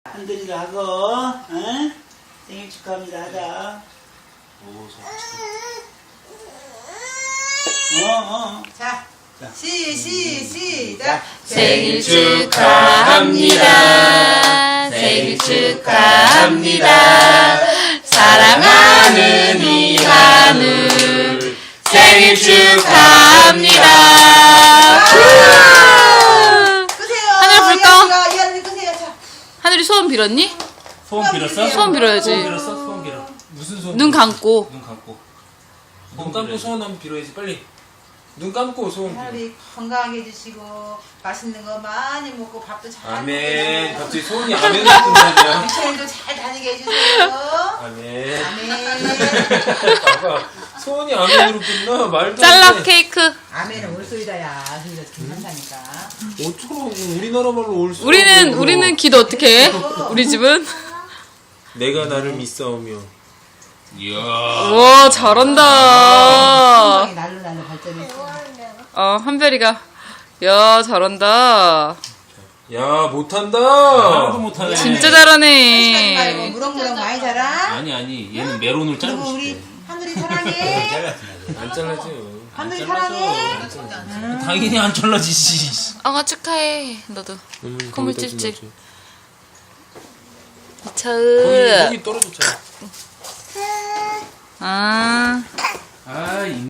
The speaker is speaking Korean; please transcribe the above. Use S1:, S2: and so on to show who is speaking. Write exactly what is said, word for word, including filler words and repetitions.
S1: 한들이도 하고, 응? 생일 축하합니다 하자.
S2: 오,
S1: 어, 어.
S3: 자,
S1: 자.
S3: 시, 시, 시작.
S4: 생일 축하합니다. 생일 축하합니다. 사랑하는 이한우 생일 축하합니다.
S3: 끄세요.
S4: 하늘 불 꺼.
S3: 이한이가, 이한이 끄세요. 자.
S4: 하늘이 소원 빌었니?
S2: 소원 빌었어?
S4: 소원 빌어야지.
S2: 소원 빌었어? 소원 빌어. 무슨 소원?
S4: 눈
S2: 빌었어?
S4: 감고.
S2: 눈 감고.
S5: 눈 감고 소원 한번 빌어야지 빨리. 눈 감고 소원 빌어.
S3: 하늘이 건강하게 해주시고 맛있는 거 많이 먹고 밥도 잘
S5: 아멘.
S3: 먹고
S5: 갑자기 소원이 아멘으로 끝나냐?
S3: 유치원도 잘 다니게 해주세요.
S5: 아멘.
S3: 아멘.
S5: 아빠 소원이 아멘으로 끝나? 말도 안
S4: 짤락
S5: 돼.
S4: 케이크.
S3: 아멘은 올소이다야. 그래서 괜찮다니까.
S5: 어쩌라고 우리나라 말로 올 수.
S4: 우리는 우리는 기도 어떻게 해? 우리 집은?
S5: 내가 나를 믿사오며.
S2: 이야.
S4: 와 잘한다.
S3: 건강이 날로 날로 발전했어.
S4: 어 한별이가 야 잘한다.
S5: 야 못한다.
S2: 하나도 못하네.
S4: 진짜
S3: 시간이 말고
S4: 잘하네.
S3: 무럭무럭 많이 자라.
S2: 아니 아니 얘는 메론을
S3: 그리고
S2: 자르고
S3: 우리
S2: 싶대.
S3: 하늘이 사랑해.
S5: 안 잘라줘요.
S3: 하늘이
S2: 안
S3: 사랑해.
S2: 당연히 안 잘라지지.
S4: 아 축하해 너도.
S5: 음,
S4: 콧물
S5: 거기다
S4: 찝찝.
S5: 좀 거기,
S4: 이차은.
S5: 거기 떨어졌잖아.
S4: 아.
S2: 아, 이